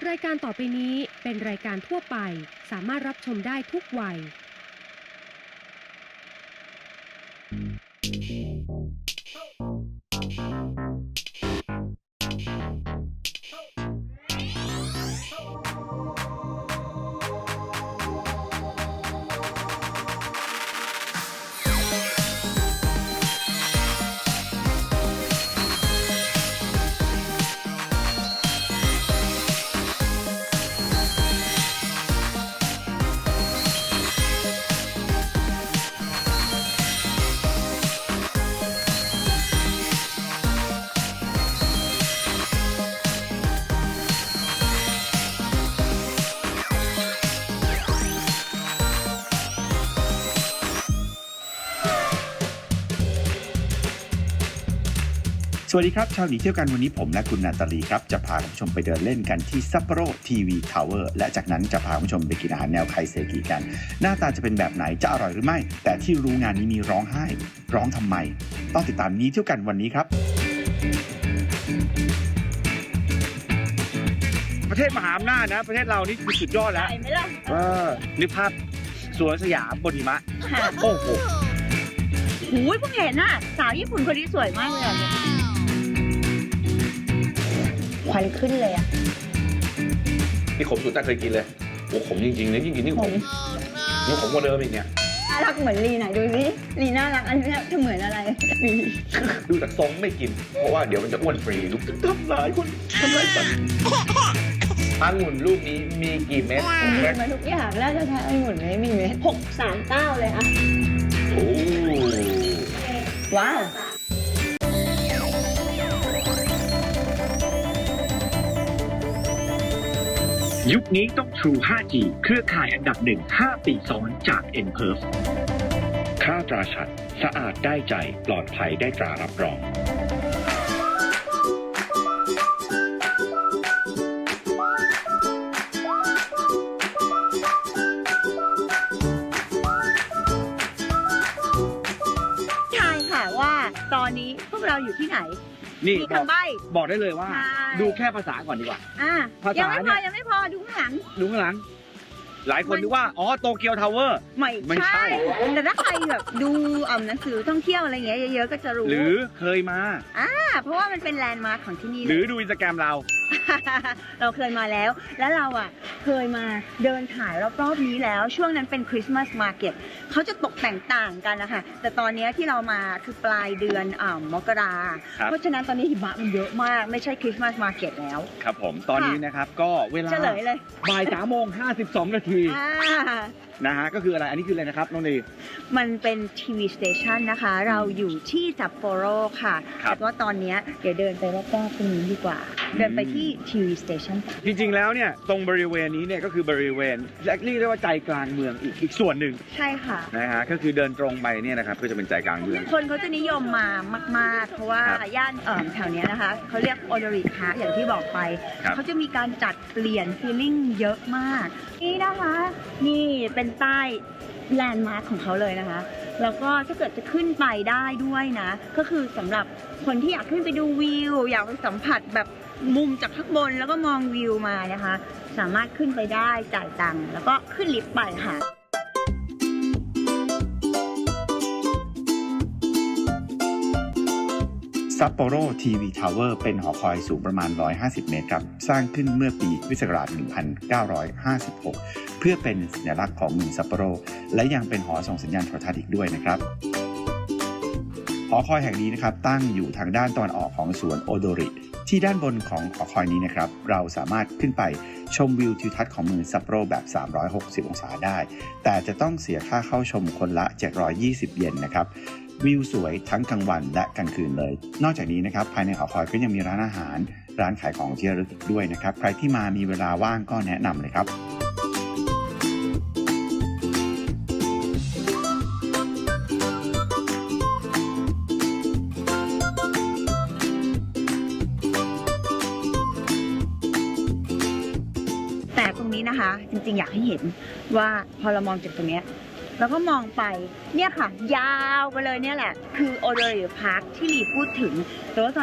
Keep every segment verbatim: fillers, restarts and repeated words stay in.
รายการต่อไปนี้เป็นรายการทั่วไปสามารถรับชมได้ทุกวัยสวัสดีครับชาวหนีเที่ยวกันวันนี้ผมและคุณนาตาลีครับจะพาคุณผู้ชมไปเดินเล่นกันที่ซัปโปโรทีวีทาวเวอร์และจากนั้นจะพาคุณผู้ชมไปกินอาหารแนวไคเซกิกันหน้าตาจะเป็นแบบไหนจะอร่อยหรือไม่แต่ที่รู้งานนี้มีร้องไห้ร้องทำไมต้องติดตามหนีเที่ยวกันวันนี้ครับประเทศมหาอำนาจนะประเทศเรานี่คือสุดยอดแล้วเออนึกภาพสวนสยามบนหิมะโอ้โหหูยเพิ่งเห็นน่ะสาวญี่ปุ่นคนนี้สวยมากเลยอ่ะควันขึ้นเลยอ่ะนี่ขมสุดแต่เคยกินเลยโอ้ขมจริงๆนะยิ่งกินยิ่งขมยิ่งขมกว่าเดิมอีกเนี่ยน่ารักเหมือนลีไหนดูสิลีน่ารักอันนี้จะเหมือนอะไรดูจากทรงไม่กินเพราะว่าเดี๋ยวมันจะอ้วนฟรีลูกทำร้ายคนทำร้ายสัตว์องุ่นลูกนี้มีกี่เม็ดมีมาทุกอย่างแล้วจะทานองุ่นไม่มีเม็ดหกสามเก้าเลยอ่ะโอ้ว้าวยุคนี้ต้อง True ไฟว์จี เครือข่ายอันดับหนึ่ง ห้า ปีซ้อนจาก เอ็น พี อี อาร์ เอฟ ค่าตราชัดสะอาดได้ใจปลอดภัยได้ตรารับรองทายค่ะว่าตอนนี้พวกเราอยู่ที่ไหนนี่มีคำใบ้บอกได้เลยว่าดูแค่ภาษาก่อนดีกว่าอ่าภาษายังไม่พอยังไม่พอดูข้างหลังดูข้างหลังหลายคนนึกว่าอ๋อโตเกียวทาวเวอร์ไม่ใช่แต่ถ้าใครแบบดูอ่าหนังสือท่องเที่ยวอะไรเงี้ยเยอะๆก็จะรู้หรือเคยมาอ่าเพราะว่ามันเป็นแลนด์มาร์คของที่นี่หรือดูอินสตาแกรมเราเราเคยมาแล้วแล้วเราอ่ะเคยมาเดินถ่ายรอบๆนี้แล้วช่วงนั้นเป็นคริสต์มาสมาร์เก็ตเขาจะตกแต่งต่างกันนะคะแต่ตอนนี้ที่เรามาคือปลายเดือนอ่ามกราเพราะฉะนั้นตอนนี้หิมะมันเยอะมากไม่ใช่คริสต์มาสมาร์เก็ตแล้วครับผมตอนนี้นะครับก็เวลาเฉลยเลยบ่ายสามโมงห้าสิบสองนาทีนะฮะก็คืออะไรอันนี้คืออะไรนะครับน้องดีมันเป็นทีวีสเตชันนะคะเราอยู่ที่ซัปโปโรค่ะแต่ว่าตอนนี้เดี๋ยวเดินไปรอบๆตรงนี้ดีกว่าเดินไปที่ทีวีสเตชันจริงๆแล้วเนี่ยตรงบริเวณนี้เนี่ยก็คือบริเวณเรียกได้ว่าใจกลางเมืองอีกอีกส่วนหนึ่งใช่ค่ะนะฮะก็คือเดินตรงไปเนี่ยนะครับก็จะเป็นใจกลางเมืองคนเขาจะนิยมมามากๆเพราะว่าย่านแถวนี้นะคะเขาเรียกโอโดริพาร์คอย่างที่บอกไปเขาจะมีการจัดเปลี่ยนฟีลลิ่งเยอะมากนี่นะคะนี่เป็นใต้แลนด์มาร์คของเขาเลยนะคะแล้วก็ถ้าเกิดจะขึ้นไปได้ด้วยนะก็คือสำหรับคนที่อยากขึ้นไปดูวิวอยากไปสัมผัสแบบมุมจากข้างบนแล้วก็มองวิวมานะคะสามารถขึ้นไปได้จ่ายตังค์แล้วก็ขึ้นลิฟต์ไปค่ะซัปโปโรทีวีทาวเวอร์เป็นหอคอยสูงประมาณหนึ่งร้อยห้าสิบเมตรครับสร้างขึ้นเมื่อปีพุทธศักราชหนึ่งพันเก้าร้อยห้าสิบหกเพื่อเป็นสัญลักษณ์ของเมืองซัปโปโรและยังเป็นหอส่งสัญญาณโทรทัศน์อีกด้วยนะครับหอคอยแห่งนี้นะครับตั้งอยู่ทางด้านตะวันออกของสวนโอโดริที่ด้านบนของหอคอยนี้นะครับเราสามารถขึ้นไปชมวิวทิวทัศน์ของเมืองซัปโปโรแบบสามร้อยหกสิบองศาได้แต่จะต้องเสียค่าเข้าชมคนละเจ็ดร้อยยี่สิบเยนนะครับวิวสวยทั้งกลางวันและกลางคืนเลยนอกจากนี้นะครับภายในหอคอยก็ยังมีร้านอาหารร้านขายของที่ระลึกอีกด้วยนะครับใครที่มามีเวลาว่างก็แนะนำเลยครับแต่ตรงนี้นะคะจริงๆอยากให้เห็นว่าพอเรามองจากตรงนี้แล้วก็มองไปเนี่ยค่ะยาวไปเลยเนี่ยแหละคือโอโดริพาร์คที่ลีพูดถึงแต่ว่าตอนนี้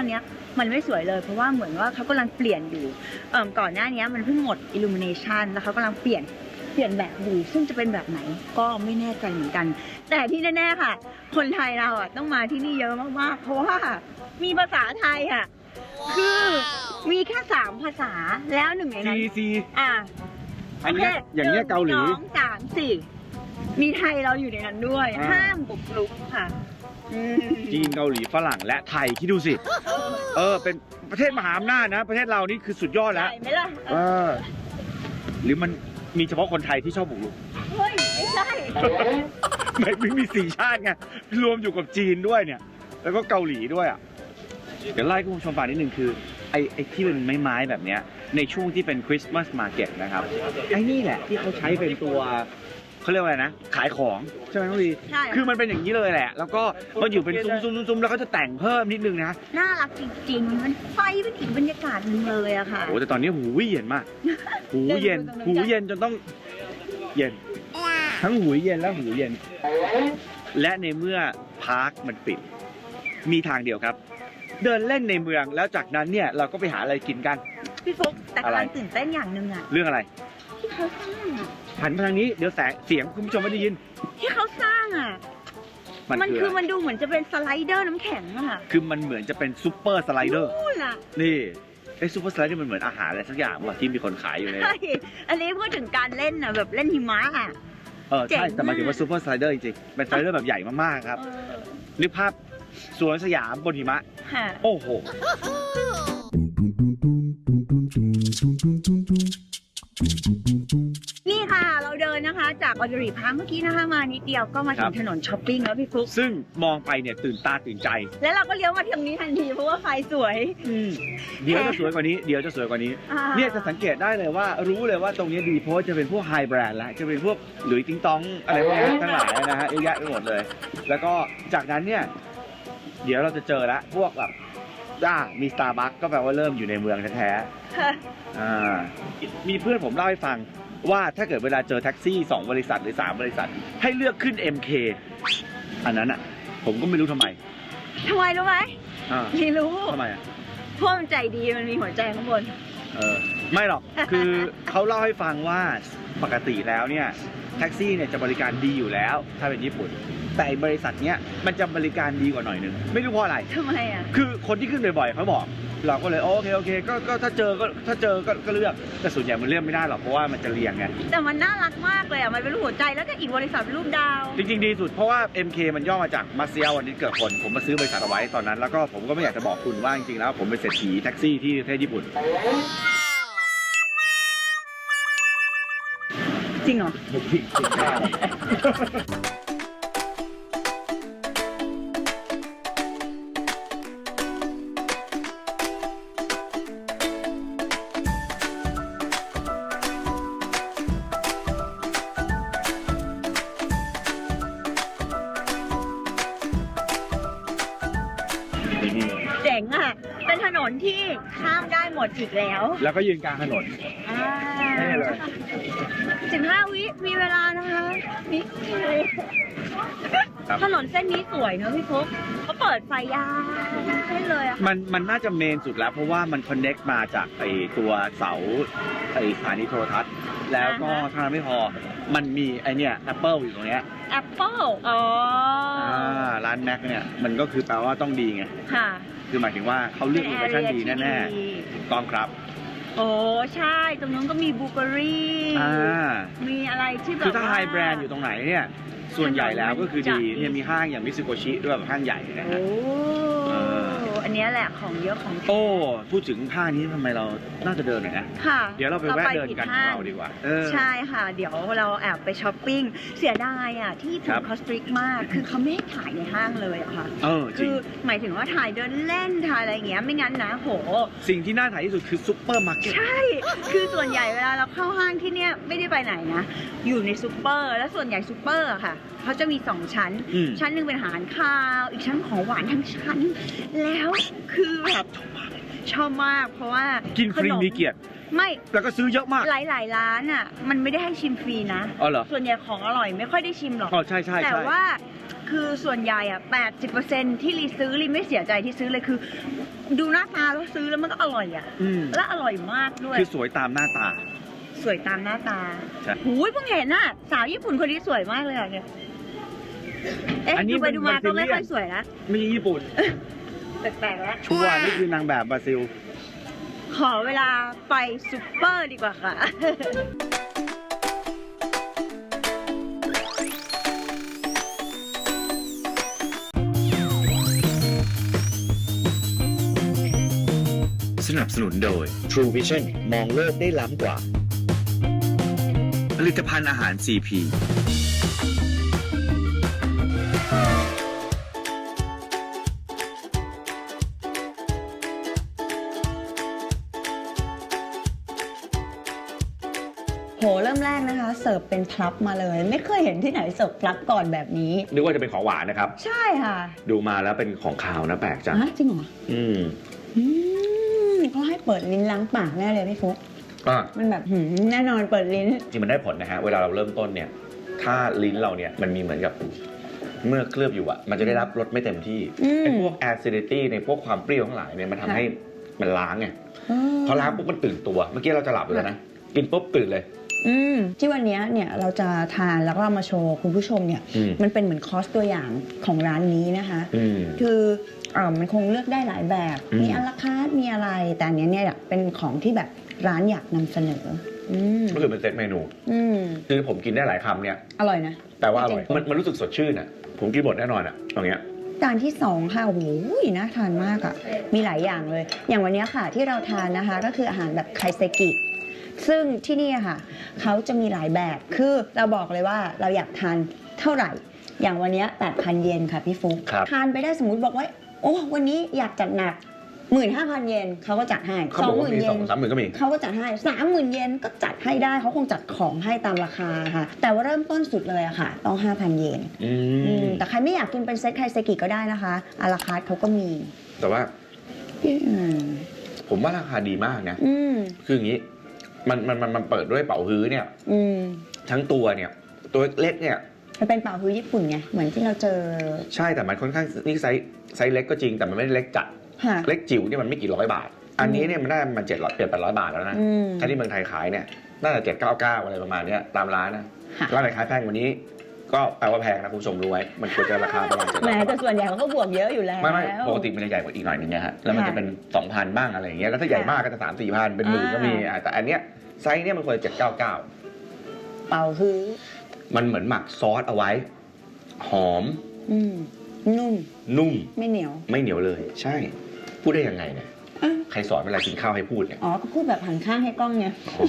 มันไม่สวยเลยเพราะว่าเหมือนว่าเขากำลังเปลี่ยนอยู่เอ่อก่อนหน้านี้มันเพิ่งหมด illumination แล้วเขากำลังเปลี่ยนเปลี่ยนแบบอยู่ซึ่งจะเป็นแบบไหนก็ไม่แน่ใจเหมือนกัน แต่ที่แน่ๆค่ะ คนไทยเราอ่ะต้องมาที่นี่เยอะมากๆเพราะว่ามีภาษาไทยอ่ะคือมีแค่สามภาษาแล้วหนึ่งในนั้นซีซีอ่ะอันเนี้ยอย่างเงี้ยเกาหลีนึ่งสองสามสี่มีไทยเราอยู่ในนั้นด้วยอ่าห้ามบุกรุกค่ะอืมจีนเกาหลีฝรั่งและไทยคิดดูสิ เออ เป็นประเทศมหาอำนาจนะ ประเทศเรานี่คือสุดยอดแล้วใช่ไหมล่ะเออ หรือมันมีเฉพาะคนไทยที่ชอบบุกรุกเฮ้ยไม่ใช่ไม่ไม่มีสี่ชาติไง รวมอยู่กับจีนด้วยเนี่ย แล้วก็เกาหลีด้วยอ่ะ เดี๋ยวไล่คุณผู้ชมฟังนิดนึงคือ ไอ้ไอ้ที่เป็นไม้ๆแบบเนี้ย ในช่วงที่เป็นคริสต์มาสมาร์เก็ตนะครับ ไอ้นี่แหละที่เขาใช้เป็นตัวเขาเรียกว่าอะไรนะ ขายของใช่ไหมน้องลีใช่คือมันเป็นอย่างนี้เลยแหละ แล้วก็มันอยู่เป็นซุ้มๆๆๆแล้วเขาจะแต่งเพิ่มนิดนึงนะน่ารักจริงๆ มันไฟเป็นอีกบรรยากาศหนึงเลยอะค่ะโอ้แต่ตอนนี้หูเย็นมาก หูเย็นเดินดูตรงนั้นหูเย็นจนต้องเย็น ทั้งหูเย็นและหูเย็น และในเมื่อพาร์คมันปิด มีทางเดียวครับ เดินเล่นในเมืองแล้วจากนั้นเนี่ยเราก็ไปหาอะไรกินกันพี่ฟุกแต่อะไรกำลังตื่นเต้นอย่างหนึ่งอะเรื่องอะไรที่เขาสร้างอะหันมาทางนี้เดี๋ยวแสงเสียงคุณผู้ชมไม่ได้ยินที่เขาสร้างอะมันมันคืคือ ออะไรมันดูเหมือนจะเป็นสไลเดอร์น้ำแข็งอะค่ะคือมันเหมือนจะเป็นซูเปอร์สไลเดอร์นู่นอะนี่ไอ้ซูเปอร์สไลเดอร์มันเหมือนอาหารอะไรสักอย่างว่ะที่มีคนขายอยู่เลยใช่อันนี้พูดถึงการเล่นอะแบบเล่นหิมะอะเออเจ๋ใช่งแต่หมายถึงมาว่าก ซูเปอร์สไลเดอร์จริงๆเป็นสไลเดอร์แบบใหญ่มากๆครับเออนึกภาพสวนสยามบนหิมะค่ะโอ้โหนี่ค่ะเราเดินนะคะ จากออเดอรีพาร์คเมื่อกี้นะคะมานิดเดียวก็มาครัถึบงถนนช้อปปิ้งแล้วพี่ฟลุ๊กซึ่งมองไปเนี่ยตื่นตาตื่นใจแล้วเราก็เลี้ยวมาทางนี้ทันทีเพราะว่าไฟสวยเดี๋ยวจะสวยกว่านี้ เดี๋ยวจะสวยกว่านี้อ่าเนี่ยจะสังเกตได้เลยว่ารู้เลยว่าตรงนี้ดีเพราะว่าจะเป็นพวกไฮแบรนด์แล้วจะเป็นพวกหลุยส์ติ้งตองอะไรพวกนี้ทั้งหลายนะฮะเยอะแยะไปหมดเลย แล้วก็จากนั้นเนี่ย เดี๋ยวเราจะเจอละพวกแบบจ้ามีสตาร์บัคก็แปลว่าเริ่มอยู่ในเมืองแท้ๆอ่ามีเพื่อนผมเล่าให้ฟังว่าถ้าเกิดเวลาเจอแท็กซี่สองบริษัทหรือสามบริษัท ให้เลือกขึ้น เอ็ม เค อันนั้นอ่ะ ผมก็ไม่รู้ทำไมทำไมรู้ไหมอ่าไม่รู้ทำไมอ่ะเพราะมันใจดีมันมีหัวใจข้างบนเออไม่หรอก คือเขาเล่าให้ฟังว่าปกติแล้วเนี่ยแท็กซี่เนี่ยจะบริการดีอยู่แล้วถ้าเป็นญี่ปุ่น แต่บริษัทเนี้ยมันจะบริการดีกว่าหน่อยนึงไม่รู้เพราะอะไรทำไมอ่ะคือคนที่ขึ้นบ่อยๆเขาบอก เราก็เลยโอเคโอเคก็ก็ถ้าเจอก็ถ้าเจอก็ก็เลือกแต่ส่วนใหญ่มันเลือกไม่ได้หรอกเพราะว่ามันจะเรียงไงแต่มันน่ารักมากเลยอ่ะ มันเป็นรูปหัวใจแล้วก็อีกบริษัทเป็นรูปดาวจริงๆดีสุดเพราะว่า เอ็ม เค มันย่อมาจากมาเซียวันนี้เกิดคนผมมาซื้อบริษัทเอาไว้ตอนนั้นแล้วก็ผมก็ไม่อยากจะบอกคุณว่าจริงๆแล้วผมเป็นเศรษฐีแท็กซี่ที่ประเทศญี่ปุ่นจริงเหรอ เจ๋งอ่ะ เป็นถนนที่ข้ามได้หมดอีกแล้วแล้วก็ยืนกลางถนนอ่านี่เลยสิบห้าวิมีเวลานะคะนี่ครับถนนเส้นนี้สวยเนอะพี่ฟุ๊กเขาเปิดไฟยาวเส้นเลยอะค่ะมันมันน่าจะเมนสุดแล้วเพราะว่ามันคอนเน็กมาจากไอตัวเสาไอสถานีโทรทัศน์ แล้วก็อ่าฮะเท่านั้นไม่พอมันมีไอเนี่ย Apple อยู่ตรงเนี้ยแอปเปิลอ๋อออ่าร้านแม็กเนี่ยมันก็คือแปลว่าต้องดีไงค่ะคือหมายถึงว่าเขาเลือกโลเคชั่นดีแน่ๆถูกต้องครับๆโอ้ใช่ ตรงนู้นก็มีบูเกอรี่อ่ามีอะไรที่แบบคือถ้าว่ไฮแบรนด์อยู่ตรงไหนเนี่ยส่วนใหญ่แล้วก็คือดีถนนมันจะเนี่ยมีห้างอย่างมิซูโกชิด้วยแบบห้างใหญ่นะโอ้ฮะ เอออันเนี้ยแหละของเยอะของแท้โอ้พูดถึงห้างนี้ทำไมเราน่าจะเดินหน่อยนะค่ะเดี๋ยวเราไปแวะเดินกันของเราดีกว่าเออใช่ค่ะ เดี๋ยวเราแอบไปช้อปปิ้ง เสียดายอ่ะ ที่คถูรักบคอสตริกมาก คือเขาไม่ให้ถ่ายในห้างเลยอะค่ะเออจริคืงอหมายถึงว่าถ่ายเดินเล่นถ่ายอะไรอย่างเงี้ย ไม่งั้นนะโหสิ่งที่น่าถ่ายที่สุดคือซุปเปอร์มาร์เก็ตใช่ คือส่วนใหญ่เวลาเราเข้าห้างที่เนี้ยไม่ได้ไปไหนนะ อยู่ในซูเปอร์ แล้วส่วนใหญ่ซูเปอร์อะค่ะ เขาจะมีสองชั้นอืมชั้นหนึ่งเป็นอาหารคาว อีกชั้นของหวานทั้งชั้น แล้วคือแบบชอบมาก เพราะว่ากินฟรีขมีเกียรติไม่แล้วก็ซื้อเยอะมากหลายๆร้านอ่ะ มันไม่ได้ให้ชิมฟรีนะอ๋อเหรอส่วนใหญ่ของอร่อยไม่ค่อยได้ชิมหรอกอ๋อใช่ใช่แต่ใช่ว่าคือส่วนใหญ่อะแปดสิบเปอร์เซ็นต์ที่รีซื้อรีไม่เสียใจที่ซื้อเลยคือ ดูหน้าตาแล้วซื้อแล้วมันก็อร่อยอะอืมและอร่อยมากด้วยคือสวยตามหน้าตาสวยตามหน้าตาใช่หูยเพิ่งเห็นน่ะสาวญี่ปุ่นคนนี้สวยมากเลยอะเนี่ยเอ๊ะอันนี้ดูไปเป็นดูมาก็ไม่ Brazilian ค่อยสวยแล้วไม่ใช่ญี่ปุ่นแปลกๆแล้วชัวร์นี่คือนางแบบบราซิลขอเวลาไปซุปเปอร์ดีกว่าค่ะสนับสนุนโดย True Vision มองโลกได้ล้ำกว่า ผลิตภัณฑ์อาหาร ซี พีโหเริ่มแรกนะคะ เสิร์ฟเป็นพลับมาเลย ไม่เคยเห็นที่ไหนเสิร์ฟพลับก่อนแบบนี้นึกว่าจะเป็นของหวานนะครับใช่ค่ะดูมาแล้วเป็นของคาวนะแปลกจังฮะจริงเหรออืมอืมก็ให้เปิดลิ้นล้างปากแน่เลยพี่ฟุ๊กอ่ะมันแบบหืมแน่นอนเปิดลิ้นจริงมันได้ผลนะฮะ เวลาเราเริ่มต้นเนี่ย ถ้าลิ้นเราเนี่ยมันมีเหมือนกับเมื่อเคลือบอยู่อะมันจะได้รับรสไม่เต็มที่อืมไอ้พวก acidity ในพวกความเปรี้ยวทั้งหลายเนี่ยมันทำให้มันล้างไงอืมพอล้างปุ๊บมันตื่นตัว เมื่อกี้เราจะหลับอยู่แล้วนะ กินปุ๊บตื่นเลยอืมที่วันนี้เนี่ยเราจะทานแล้วก็เอามาโชว์คุณผู้ชมเนี่ยอืมมันเป็นเหมือนคอร์สตัวอย่างของร้านนี้นะคะอืมคือเอ่อมันคงเลือกได้หลายแบบอืมมีอะลาคาร์ทมีอะไร แต่อันเนี้ยเนี่ยเป็นของที่แบบร้านอยากนำเสนอ อืมก็คือเป็นเซตเมนูอืมคือผมกินได้หลายคำเนี่ยอร่อยนะแปลว่าอร่อยจริงๆมันมันรู้สึกสดชื่นอะผมกินหมดแน่นอนอะตรงเนี้ยจานที่สองค่ะโอ้โหน่าทานมากอ่ะมีหลายอย่างเลย อย่างวันนี้ค่ะที่เราทานนะคะก็คืออาหารแบบไคเซกิซึ่งที่นี่อะค่ะเขาจะมีหลายแบบคือเราบอกเลยว่าเราอยากทานเท่าไหร่ อย่างวันนี้ แปดพัน เยนค่ะพี่ฟุ๊กครับทานไปได้สมมุติบอกว่าโอ้วันนี้อยากจัดหนัก หมื่นห้าพัน เยนเขาก็จัดให้เขาสบออง กหว่ามื่นมีเยสอน งสามหมื่นก็มีเขาก็จัดให้สามหมื่นเยนก็จัดให้ได้เขาคงจัดของให้ตามราคาค่ะ แต่ว่าเริ่มต้นสุดเลยอะค่ะ ต้อง ห้าพัน เยนอือืมมแต่ใครไม่อยากกินเป็นเซตไคเซกิก็ได้นะคะอาราคาร์ทเขาก็มีแต่ว่าอืมผมว่าราคาดีมากนะอืมคืออย่างนี้ มันมันมันมันเปิดด้วยเป๋าฮื้อเนี่ยอืมทั้งตัวเนี่ย ตัวเล็กเนี่ยมันเป็นเป่าฮื้อญี่ปุ่นไง เหมือนที่เราเจอใช่แต่มันค่อนข้างนี่ไซส์ไซส์เล็กก็จริงแต่มันไม่ได้เล็กจัดค่ะเล็กจิ๋วเนี่ยมันไม่กี่ร้อยบาท อันนี้เนี่ยมันได้มันเจ็ดร้อยเปลี่ยนแปดร้อยบาทแล้วนะอืมถ้าที่เมืองไทยขายเนี่ยน่าจะเจ็ดเก้าเก้าอะไรประมาณเนี้ยตามร้านนะค่ะร้านไหนขายแพงกว่านี้ ก็แปลว่าแพงนะคุณผู้ชมรู้ไว้ มันควรจะราคาประมาณเจ็ดแหมร้อยแต่ส่วนใหญ่เขาก็บวกเยอะอยู่แล้วไม่ไม่ปกติมันจะใหญ่กว่าอีกหน่อยนึงนะฮะแล้วมันค่ะจะเป็นสองพันบ้างอะไรอย่างเงี้ยแล้วถ้าใหญ่มากก็จะสามสี่พันเป็นหมื่นก็มีอ่าอ่ะแต่อันเนี้ยไซส์เนี่ยมันควรจะเจ็ดเก้าเก้าเป่าฮื้อมันเหมือนหมักซอสเอาไว้ หอมอืม นุ่มนุ่มไม่เหนียวไม่เหนียวเลย ใช่ พูดได้ยังไงเนี่ยอ่ะใครสอนเวลากินข้าวให้พูดเนี่ยอ๋อ ก็พูดแบบหันข้างให้กล้องไง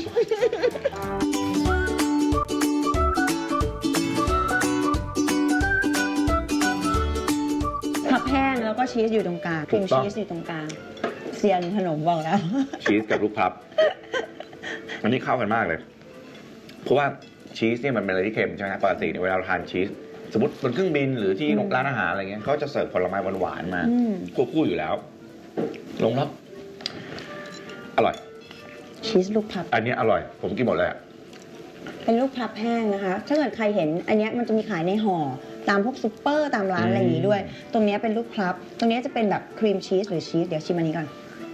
ผักแห้งแล้วก็ชีสอยู่ตรงกลางครีมชีสอยู่ตรงกลางเซียนขนมบอกแล้วชีสกับลูกพลับ อันนี้เข้ากันมากเลย เพราะว่าชีสเนี่ยมันเป็นอะไรที่เค็มใช่ไหมครับปกติเนี่ยเวลาเราทานชีส สมมติบนเครื่องบินหรือที่อืมร้านอาหารอะไรเงี้ยเขาจะเสิร์ฟผลไม้หวานๆมาอืมควบคู่อยู่แล้ว ลงแล้วอร่อยชีสลูกพับอันนี้อร่อย ผมกินหมดเลยอะเป็นลูกพับแห้งนะคะ ถ้าเกิดใครเห็น อันเนี้ยมันจะมีขายในห่อตามพวกซุปเปอร์ตามร้านอะไรอย่างนี้ด้วย ตรงเนี้ยเป็นลูกพับ ตรงเนี้ยจะเป็นแบบครีมชีสหรือชีส เดี๋ยวชิมอันนี้ก่อน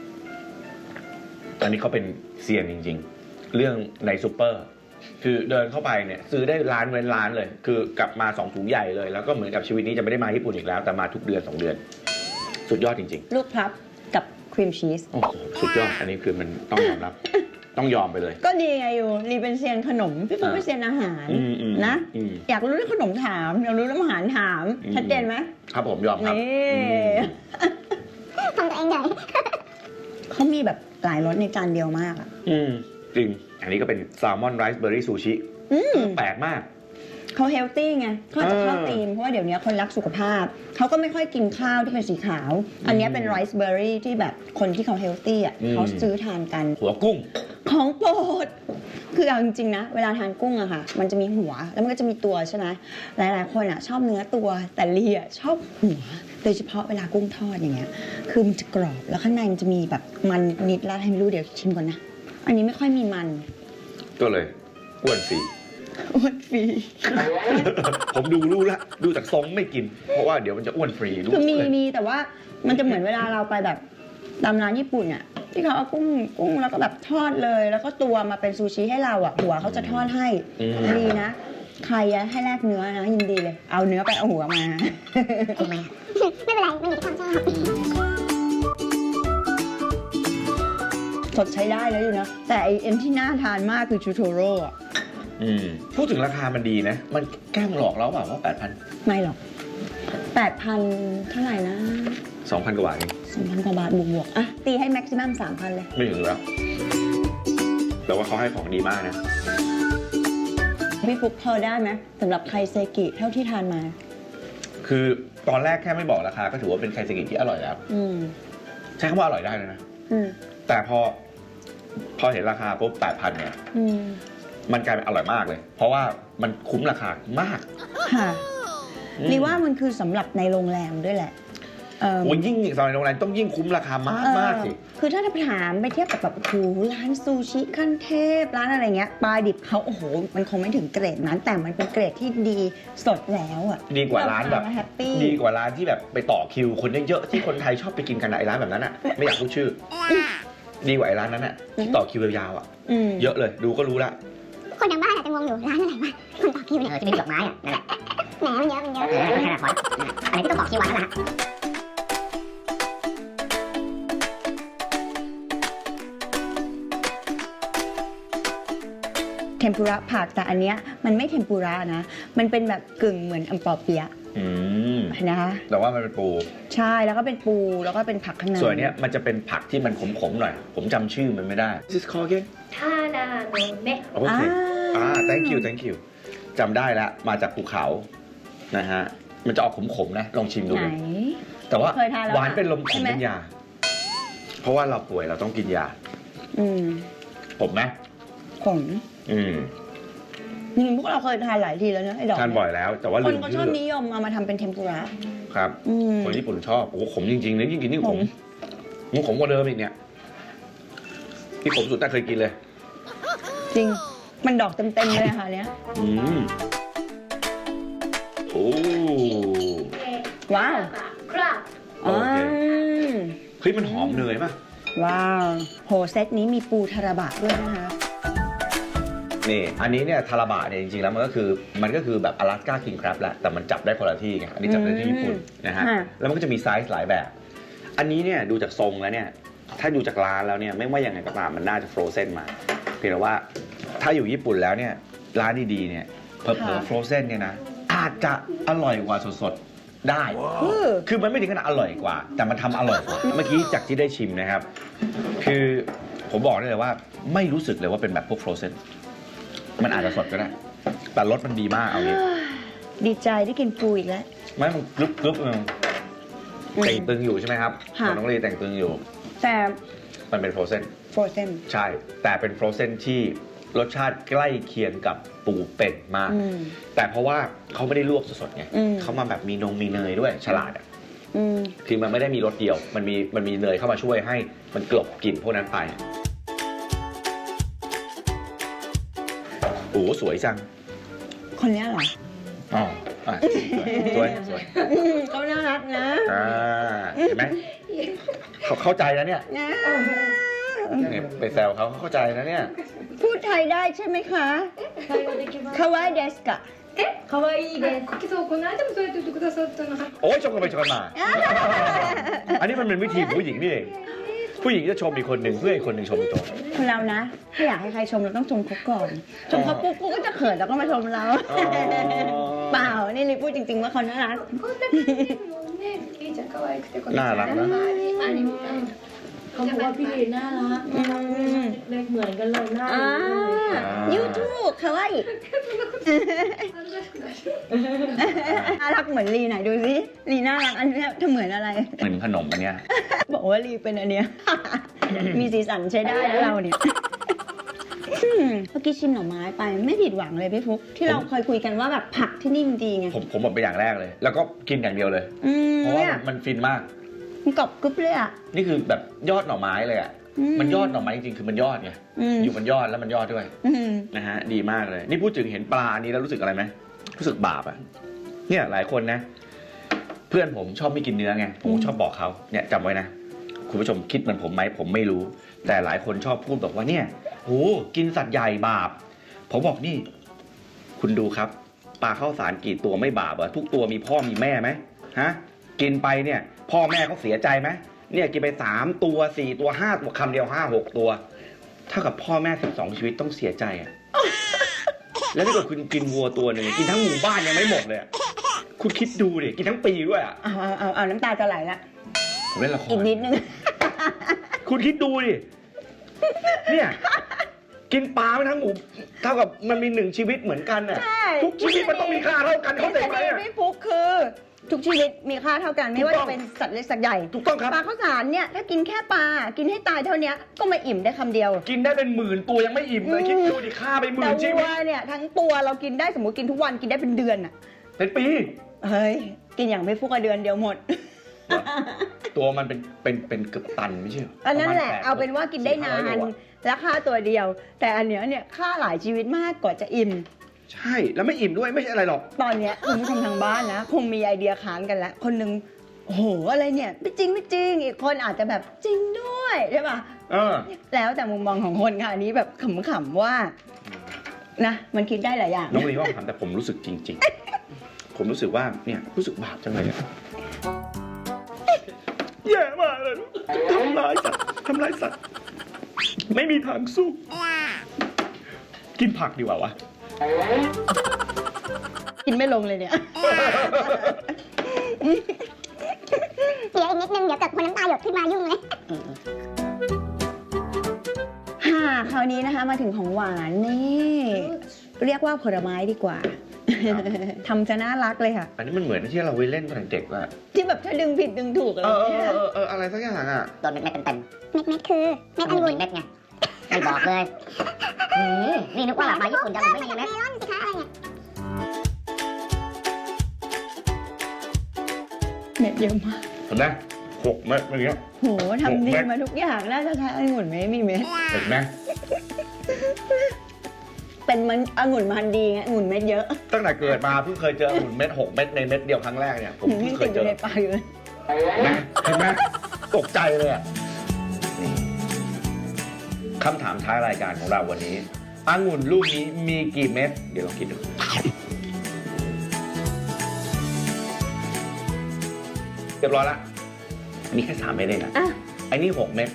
อันนี้เขาเป็นเซียนจริง ๆ เรื่องในซูเปอร์ คือเดินเข้าไปเนี่ยซื้อได้ร้านเว้นร้านเลย คือกลับมาสองถุงใหญ่เลย แล้วก็เหมือนกับชีวิตนี้จะไม่ได้มาญี่ปุ่นอีกแล้ว แต่มาทุกเดือนสองเดือน สุดยอดจริงลูกพับกับครีมชีสๆ โอ้โหสุดยอด อันนี้คือมันต้องยอมรับ ต้องยอมไปเลยก็ดีไงอยู่รีเป็นเซียนขนม พี่ปุ๊กเป็นเซียนอาหารอืมอืมนะอืมอยากรู้เรื่องขนมถาม อยากรู้เรื่องอาหารถามอืมชัดเจนไหมครับผมยอมครับนี่อืมทำตัวเองใหญ่ เขามีแบบหลายรสในจานเดียวมากอ่ะอืมจริง อันนี้ก็เป็นแซลมอนไรซ์เบอร์รี่ซูชิอืมแปลกมากเขาเฮลตี้ไงเขาจะเข้าเออธีมเพราะว่าเดี๋ยวนี้คนรักสุขภาพ เขาก็ไม่ค่อยกินข้าวที่เป็นสีขาว อันเนี้ยเป็นไรซ์เบอร์รี่ที่แบบคนที่เขาเฮลตี้อ่ะอืมเขาซื้อทานกันหัวกุ้งของโปรด คือเอาจริงๆนะ เวลาทานกุ้งอะค่ะ มันจะมีหัว แล้วมันก็จะมีตัวใช่ไหมหลายๆคนอะชอบเนื้อตัว แต่ลีอะชอบหัว โดยเฉพาะเวลากุ้งทอดอย่างเงี้ย คือมันจะกรอบ แล้วข้างในมันจะมีแบบมันนิดแล้วให้ไม่รู้เดี๋ยวชิมก่อนนะ อันนี้ไม่ค่อยมีมันก็เลยอ้วนฟรีอ้วนฟรีผมดูรู้ละดูจากทรงไม่กิน เพราะว่าเดี๋ยวมันจะอ้วนฟรีรู้คือมีเลยมีแต่ว่ามันจะเหมือนเวลาเราไปแบบตามร้านญี่ปุ่นอ่ะที่เขาเอากุ้งกุ้งแล้วก็แบบทอดเลย แล้วก็ตัวมาเป็นซูชิให้เราอ่ะหัวเขาจะทอดให้อืมดีนะใครอะให้แลกเนื้อนะยินดีเลย เอาเนื้อไปเอาหัวมาทำไมอะไม่เป็นไร มันอยู่ที่ความชอบสดใช้ได้แล้วอยู่นะ แต่ไอเอ็นที่น่าทานมากคือชูโทโร่อะอืมพูดถึงราคามันดีนะ มันแกล้งหลอกเราเปล่าว่าแปดพันไม่หรอกแปดพันเท่าไหร่นะสองพันกว่าบาทเองสองพันกว่าบาทบวกๆอ่ะตีให้แม็กซิมัมสามพันเลยไม่ถึงแล้วแต่ว่าเขาให้ของดีมากนะพี่ฟุกพอได้ไหมสำหรับไคเซกิเท่าที่ทานมาคือตอนแรกแค่ไม่บอกราคาก็ถือว่าเป็นไคเซกิที่อร่อยแล้วอืมใช้คำว่าอร่อยได้เลยนะอืมแต่พอ พอเห็นราคาปุ๊บแปดพันเนี่ยอืมมันกลายเป็นอร่อยมากเลย เพราะว่ามันคุ้มราคามากค่ะอืมรีว่ามันคือสำหรับในโรงแรมด้วยแหละเออโอ้ยยิ่งซอยโรงแรมต้องยิ่งคุ้มราคามากมากสิเออคือถ้าจะถามไปเทียบกับแบบโอ้โหร้านซูชิขั้นเทพร้านอะไรเงี้ยปลาดิบเขาโอ้โหมันคงไม่ถึงเกรดนั้น แต่มันเป็นเกรดที่ดีสดแล้วอ่ะดีกว่าร้านแบบแฮปปี้ดีกว่าร้านที่แบบไปต่อคิวคนเยอะๆที่คนไทยชอบไปกินกันอะไอ้ร้านแบบนั้นอ่ะ ไม่อยากพูดชื่อ ดีกว่าไอ้ร้านนั้นอ่ะที่ต่อคิวยาวๆอ่ะอืมเยอะเลยดูก็รู้ละคนทางบ้านอาจจะงงอยู่ร้านอะไรวะคนต่อคิวเนี่ยเออจะเป็นดอกไม้อะนั่นแหละแหมมันเยอะมันเยอะเออไม่ขนาดนั้นอะไรที่ต้องต่อคิวไว้นั่นแหละเทมปุระผักแต่อันเนี้ยมันไม่เทมปุระนะ มันเป็นแบบกึ่งเหมือนอัมปอเปียะอืมนะคะแต่ว่ามันเป็นปูใช่แล้วก็เป็นปูแล้วก็เป็นผักข้างในส่วนเนี้ยมันจะเป็นผักที่มันขมๆหน่อย ผมจำชื่อมันไม่ได้ This is called again ทานาโนเนะโอเคอ่า thank you thank you จำได้แล้วมาจากภูเขานะฮะ มันจะออกขมๆนะ ลองชิมดูไหนแต่ว่าเคยทานแล้วหวานเป็นลมขใช่มไหมเป็นยา เพราะว่าเราป่วยเราต้องกินยาอืมผมไหมขมอืมจริงๆพวกเราเคยทานหลายทีแล้วเนอะไอ้ดอกทานบ่อยแล้ว แต่ว่าคลืนมก็ชชื่อบอนิยมเอามาทำเป็นเทมปุระครับอืมคนญี่ปุ่นชอบ โอ้โหขมจริงๆเลยยิ่งกินยิ่งขขมมมันขมกว่าเดิมอีกเนี่ย ที่ขมสุดแต่เคยกินเลยจริง มันดอกเต็มๆเลยค่ะเนี้ยอืมโอ้ว้าวครับโอเคมเฮ้ยมันหอมเนยป่ะว้าวโหเซตนี้มีปูทาราบะด้วยนะคะนี่ อันนี้เนี่ยทาราบะเนี่ยจริงๆแล้วมันก็คือมันก็คือแบบอลาสก้าคิงค a บแหละแต่มันจับได้คนละที่ไงอันนี้จับได้ที่ญี่ปุ่นนะฮะค่ะแล้วมันก็จะมีไซส์หลายแบบ อันนี้เนี่ยดูจากทรงแล้วเนี่ยถ้าดูจากร้านแล้วเนี่ยไม่ว่ายังไงก็ตามมันน่าจะฟรอเซนมาเพียงแต่ว่าถ้าอยู่ญี่ปุ่นแล้วเนี่ยร้านดีๆเนี่ยเผลอๆฟรอเซนเนี่ยนะอาจจะอร่อยกว่าสดๆได้คือคือมันไม่ถึงขนาดอร่อยกว่า แต่มันทำอร่อยกว่า เมื่อกี้จากที่ได้ชิมนะครับ คือผมบอกได้เลยว่าไม่รู้สึกเลยว่าเป็นแบบพวกฟรอเซนมันอาจจะสดก็ได้ แต่รสมันดีมากเอางี้ดีใจได้กินปูอีกแล้วไม่มันกรึบกรึบเออแต่งตึงอยู่ใช่ไหมครับค่ะของน้องลีแต่งตึงอยู่แต่มันเป็นฟรอเซนฟรอเซนใช่ แต่เป็นฟรอเซนที่รสชาติใกล้เคียงกับปูเป็ดมากอืมแต่เพราะว่าเขาไม่ได้ลวกสดๆไงอืมเขามาแบบมีนงมีเนยด้วยฉลาดอ่ะอืมคือมันไม่ได้มีรสเดียว มันมีมันมีเนยเข้ามาช่วยให้มันกลบกลิ่นพวกนั้นไปโอ้โหสวยจังคนเนี้ยเหรออ๋ออ่ะสวยสวยอืมเขาน่ารักนะอ่าเห็นไหมเขาเข้าใจแล้วเนี่ยนะเนี่ยไปแซวเขาเขาเข้าใจนะเนี่ยพูดไทยได้ใช่ไหมคะคาวายเดสกะ可愛いですそうこの間もそうやって言ってくださったのโอ้ยชมกันไปชมกันมา อันนี้มันเป็นวิธีผู้หญิงนี่เอง ผู้หญิงจะชมอีกคนหนึ่งเพื่ออีกคนหนึ่งชมอีกตัวคนเรานะถ้าอยากให้ใครชมเราต้องชมเขาก่อน ชมเขาปุ๊บกูก็จะเขินแล้วก็มาชมเราอ๋อเปล่า นี่ลิพูดจริงๆว่าเขาน่ารักこんな感じもねいいじゃん可愛くてこのน่ารักนะアニメเขาบอกว่าพี่ลีน่ารักอืมเล็กเหมือนกันเลยหน้าอ่าเลยยูทูบคาวายน่ารักเหมือนลีไหนดูสิลีน่ารักอันเนี้ยเธอเหมือนอะไรเหมือนขนมอันเนี้ยบอกว่าลีเป็นอันเนี้ย มีสีสันใช้ได้นะเราเนี่ยอืมเมื่อกี้ชิมหน่อไม้ไปไม่ผิดหวังเลยพี่ฟุ๊กที่เราเคยคุยกันว่าแบบผักที่นี่มันดีไงผมผมบอกไปอย่างแรกเลย แล้วก็กินอย่างเดียวเลยอืมเพราะว่าเนี่ยมันมันฟินมากมันกรอบกรึบเลยอ่ะนี่คือแบบยอดหน่อไม้เลยอ่ะมันยอดหน่อไม้จริงๆคือมันยอดไงอืมอยู่มันยอดแล้วมันยอดด้วยอืมนะฮะดีมากเลย นี่พูดถึงเห็นปลาอันนี้แล้วรู้สึกอะไรไหมรู้สึกบาปอ่ะเนี่ยหลายคนนะ เพื่อนผมชอบไม่กินเนื้อไงผมชอบบอกเขาเนี่ยจำไว้นะคุณผู้ชมคิดเหมือนผมไหมผมไม่รู้ แต่หลายคนชอบพูดบอกว่าเนี่ยโหกินสัตว์ใหญ่บาปผมบอกนี่ คุณดูครับปลาข้าวสารกี่ตัวไม่บาปอะทุกตัวมีพ่อมีแม่ไหมฮะกินไปเนี่ยพ่อแม่เขาเสียใจไหมเนี่ยกินไปสามตัวสี่ตัวห้าตัวคำเดียวห้าหกตัวเท่ากับพ่อแม่สิบสองชีวิตต้องเสียใจอะ แล้วถ้าเกิดคุณกินวัวตัวหนึ่งกินทั้งหมู่บ้านยังไม่หมดเลยอะคุณคิดดูดิกินทั้งปีด้วยอะเอาเอาเอาเอาน้ำตาจะไหลละผมเล่นละครอีกนิดนึงคุณคิดดูดิเนี่ยกินปลาไปทั้งหมู่เท่ากับมันมีหนึ่งชีวิตเหมือนกันน่ะใช่ทุกชีวิตมันต้องมีค่าเท่ากันเข้าใจไหมทฤษฎีอะพี่ฟุกคือ ทุกชีวิตมีค่าเท่ากันไม่ว่าจะเป็นสัตว์เล็กสัตว์ใหญ่ถูกต้องครับปลาข้าวสารเนี่ยถ้ากินแค่ปลากินให้ตายเท่านี้ก็ไม่อิ่มได้คำเดียวกินได้เป็นหมื่นตัวยังไม่อิ่มเลยอืมคิดดูดิค่าไปหมื่แต่นชีวัวิวตเนี่ยทั้งตัวเรากินได้สมมติกินทุกวันกินได้เป็นเดือนอ่ะเป็นปีเฮ้ยกินอย่างไม่ฟุกอะเดือนเดียวหมดตัวมันเป็นเป็นเป็นเกือบตันไม่ใช่เหรออันนั้นแหละปรมณเอาเป็นว่ากินได้นาสี่ห้ร้อยนโลอะและค่าตัวเดียว แต่อันเนี้ยเนี่ยค่าหลายชีวิตมากกว่าจะอิ่มใช่แล้วไม่อิ่มด้วยไม่ใช่อะไรหรอกตอนเนี้ยคุณผู้ชมทางบ้านนะคงมีไอเดียค้านกันแล้วคนหนึงโอ้โหอะไรเนี่ยไม่จริงไม่จริงอีกคนอาจจะแบบจริงด้วยใช่ป่ะเออแล้วแต่มุมมองของคนค่ะอันนี้แบบขำๆว่านะมันคิดได้หลายอย่างน้องลีว่าถามแต่ผมรู้สึกจริง ๆ ผมรู้สึกว่าเนี่ยรู้สึกบาปจังเลยอะแย่มากเลยทำร้ายสัตว์ทำร้ายสัตว์ไม่มีทางสู้ กินผักดีกว่าวะกินไม่ลงเลยเนี่ยเดี๋ยวอีกนิดนึงเดี๋ยวเกิดคนน้ำตาหยดขึ้นมายุ่งเลยค่ะคราวนี้นะคะมาถึงของหวานนี่เรียกว่าผลไม้ดีกว่า ทำจะน่ารักเลยค่ะอันนี้มันเหมือนที่เราไปเล่นตอนเด็กๆอะที่แบบถ้าดึงผิดดึงถูกอะไรเออเอเนี่อย เออเอออะไรสักอย่างอะโดนเม็ดๆเต็มๆเม็ดเม็ดคือเม็ดองุ่นเม็ดไงไม่บอกเลยนี่นี่นึกว่าแบบมาญี่ปุ่นจะไม่มีเม็ดเมลอนสิคะอะไรเนี่ยเม็ดเยอะมากเห็นไหมหกเม็ดอย่างเงี้ยโหทำดีหกเม็ดมาทุกอย่างน่าจะใช้องุ่นไม่มีเม็ดเห็นไหมเป็นมันองุ่นมันดีไงองุ่นเม็ดเยอะตั้งแต่เกิดมาเพิ่งเคยเจอหุ่นเม็ดหกเม็ดในเม็ดเดียวครั้งแรกเนี่ยผมเพิ่นี่งเคติยดอเจยู่อในปากอยู่เลยเห็นไหมเห็นไหมตกใจเลยอ่ะนี่คำถามท้ายรายการของเราวันนี้องุ่นลูกนี้มีกี่เม็ดเดี๋ยวลองคิดดูเรียบร้อยละมีแค่สามเม็ดเองอ่ะอ่ะไอ้นี่หกเม็ด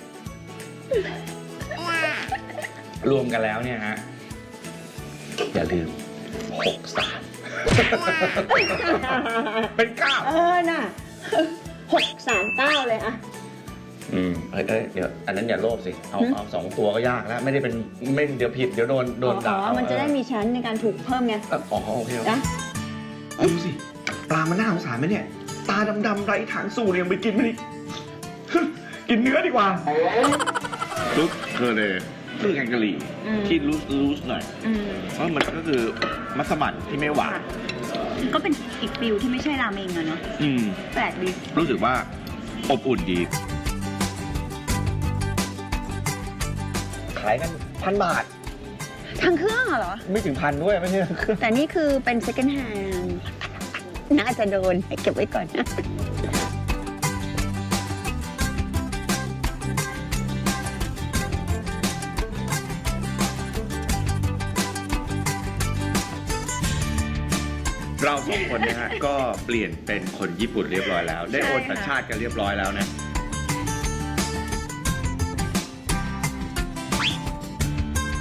รวมกันแล้วเนี่ยฮะอย่าลืมหกสาม เป็นเก้าเออน่ะหกสามเก้าเลยอะอืมเอ้ยเอ้ยเดี๋ยวอันนั้นอย่าโลภสิ เอาหืมเอาสองตัวก็ยากแล้ว ไม่ได้เป็นไม่เดี๋ยวผิดเดี๋ยวโดนโดนอ๋ด่าอ มันจะได้มีชั้นในการถูกเพิ่มไงเอ้ยอ๋อโอเคโอเคนะดูสิ ปลามันน่าสงสารไหมเนี่ย ตาดำๆไรทางสู้เนี่ยยังไปกินมันอีก กินเนื้อดีกว่าลุกเคอเลยคือแกงกะหรี่อืมที่ลูสลูสหน่อยอืมเพราะมันก็คือมัสมั่นที่ไม่หวานก็เป็นอีกฟิลที่ไม่ใช่ราเมงอะเนาะอืมแปลกดีรู้สึกว่าอบอุ่นดี ขายกันพันบาททางเครื่องเหรอไม่ถึงพันด้วยไม่ใช่เครื่องแต่นี่คือเป็น second hand น่าจะโดนเก็บไว้ก่อนนะเราสองคนนะฮะ ก็เปลี่ยนเป็นคนญี่ปุ่นเรียบร้อยแล้ว ได้โอนสัญชาติกันเรียบร้อยแล้วนะ